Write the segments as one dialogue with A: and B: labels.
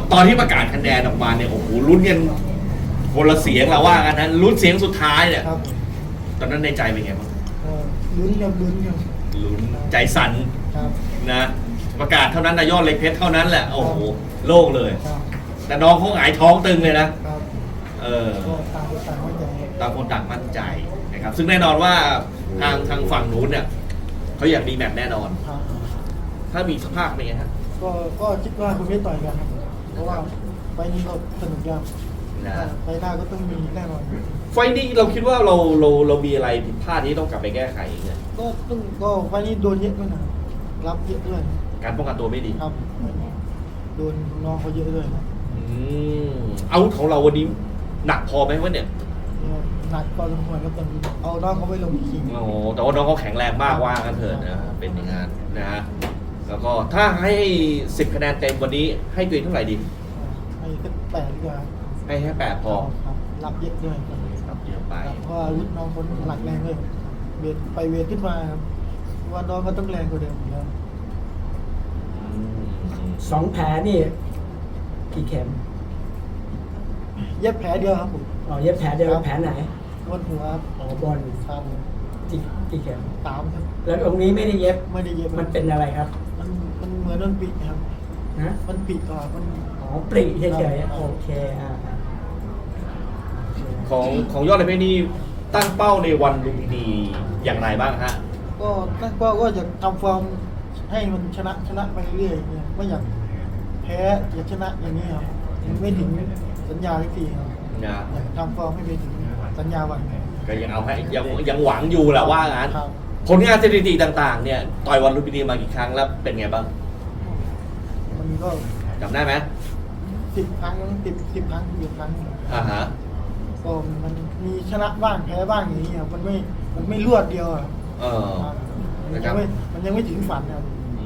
A: ตอนที่ประกาศคะแนนออกมาเนี่ยโอ้โหลุ้นกันคนละเสียงเราว่ากันนะลุ้นเสียงสุดท้ายเนี่ย
B: ครับ
A: ตอนนั้นในใจเป็นไงบ้าง
B: ลุ้นครับลุ้นครับ
A: ลุ้นใจสั่น
B: ครับ
A: นะประกาศเท่านั้นนายยอดเล็กเพชรเท่านั้นแหละโอ้โหโล่งเลย
B: ครับ
A: แต่น้องเขาหงายท้องตึงเลยนะครับ
B: ก็ต่างคนต่างเข้าใจ
A: ต่างคนต่างมั่นใจนะครับซึ่งแน่นอนว่าทางฝั่งนู้นเนี่ยเขาอยากดีแมตช์แน่นอน
B: ครับ
A: ถ้ามีสภาพเป็นไงฮะ
B: ก็คิดว่าคุณไม่ต่อยกันครับเพราะว่าไฟล์นี้ก็สนุกยาก
A: นะ
B: ไฟล์หน้าก็ต้องมีแน่นอน
A: ไฟล์นี้เราคิดว่าเรามีอะไรผิดพลาดที่ต้องกลับไปแก้ไขเนี่ย
B: ก็ไฟล์นี้โดนเยอะด้วยนะรับเยอะด้วย
A: การป้องกันตัวไม่ดี
B: ครับโดนน้องเขาเยอะด้วยครับ
A: อาวุธของเราวันนี้หนักพอไหมวะเนี่ย
B: หนักพอสมควรครับตอนนี้เอาน้องเขาไปลงอีกที
A: โอ้โหแต่ว่าน้องเขาแข็งแรงมากว่ากันเถิดนะเป็นอย่างนั้นนะฮะแล้วก็ถ้าให้10คะแนนเต็มวันนี้ให้ตัวเองเท่าไหร่ดี
B: ให้แค่8ดีกว่า
A: ให้แค่8พอ
B: ครับรับเยอะด้วยครับ
A: ครับเยอะไป
B: เพราะว่าอาวุธน้องคนหลักแรงเลยเวทไปเวทขึ้นมาครับเพราะว่าน้องก็ต้องแรงกว่าเดิมอยู่แล้ว
C: 2 แผลนี่กี่เข็ม
B: เย็บแผลเดียวครับผม
C: อ๋อเย็บแผลเดียวแผลไหน
B: บนหัวครับ
C: อ๋อบอล
B: ครับ
C: กี่เข็ม
B: ตามครับ
C: แล้วตรงนี้ไม่ได้เย็บ
B: ไม่ได้เย็บ
C: มันเป็นอะไรครับ
B: มันเหมือนมันปิดครับ
C: นะ
B: มันปิดก่อนมัน
C: อ๋อปรีเฉย
B: ครับ
C: ๆโอเค
A: ของยอดในเพชรนี่ตั้งเป้าในวันลุมพินีอย่างไรบ้างฮะ
B: ก็ตั้งเป้าว่าจะทำฟอร์มให้มันชนะไปเรื่อยๆเนี่ยไม่อยากแพ้อยากชนะอย่างนี้ครับยังไม่ถึงสัญญาที่สี่ครับ
A: นะ
B: อยากทำฟอร์มให้ไปถึงสัญญาวัน
A: ก็ยังเอาให้ยังหวังอยู่แหละว่างั้น
B: ครับ
A: ผลงานสถิติต่างๆเนี่ยต่อยวันลุมพินีมากี่ครั้งแล้วเป็นไงบ้าง
B: มันก็
A: จำได้ไหม
B: 10 ครั้ง10 ครั้ง10 ครั้ง
A: อ่าฮะ
B: ก็มันมีชนะบ้างแพ้บ้างอย่างนี้ครับมันไม่รวดเดียวอะ
A: เออ
B: ครับ
A: นะครับ
B: มันยังไม่ถึงฝันครับ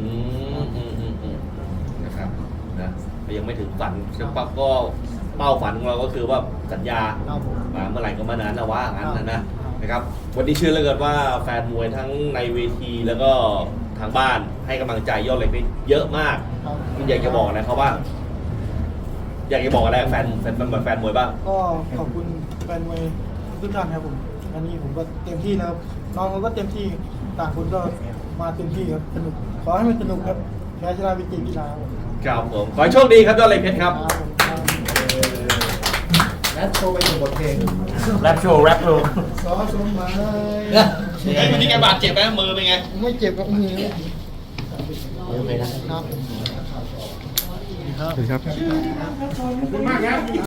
A: นะครับนะยังไม่ถึงฝันซึ่งปั๊บก็เป้าฝันของเราก็คือว่าสัญญา
B: ครับผม
A: มาเมื่อไหร่ก็เมื่อนั้นนะว่างั้น
B: ครับ
A: นะครับวันนี้เชื่อเหลือเกินว่าแฟนมวยทั้งในเวทีแล้วก็ทางบ้านให้กำลังใจยอดเหล็กเพชรเยอะมาก
B: ครับ
A: คุณอยากจะบอกอะไรเขาบ้างอยากจะบอกอะไรกับแฟนมวยบ้าง
B: ก็ขอบคุณแฟนมวยทุกท่านครับผมวันนี้ผมก็เต็มที่แล้วครับน้องเขาก็เต็มที่ต่างคนก็มาเต็มที่ครับสนุกขอให้มันสนุกครับแพ้ชนะเป็นเกมกีฬาครับผม
A: ครับผมขอให้โชคดีครับยอดเหล็กเพชรครับ
B: ครับผมครับ
D: แรปโชว์ไปหนึ่งบทเพลง
A: แรปโชว์
B: สอสมหมาย
A: ไอ้คนที่แกบาดเจ็บไหมมือเป็นไง
B: ไม่เจ็บกับมือ
D: โอเคนะ
B: ครับ
D: ขอบคุณมากครับ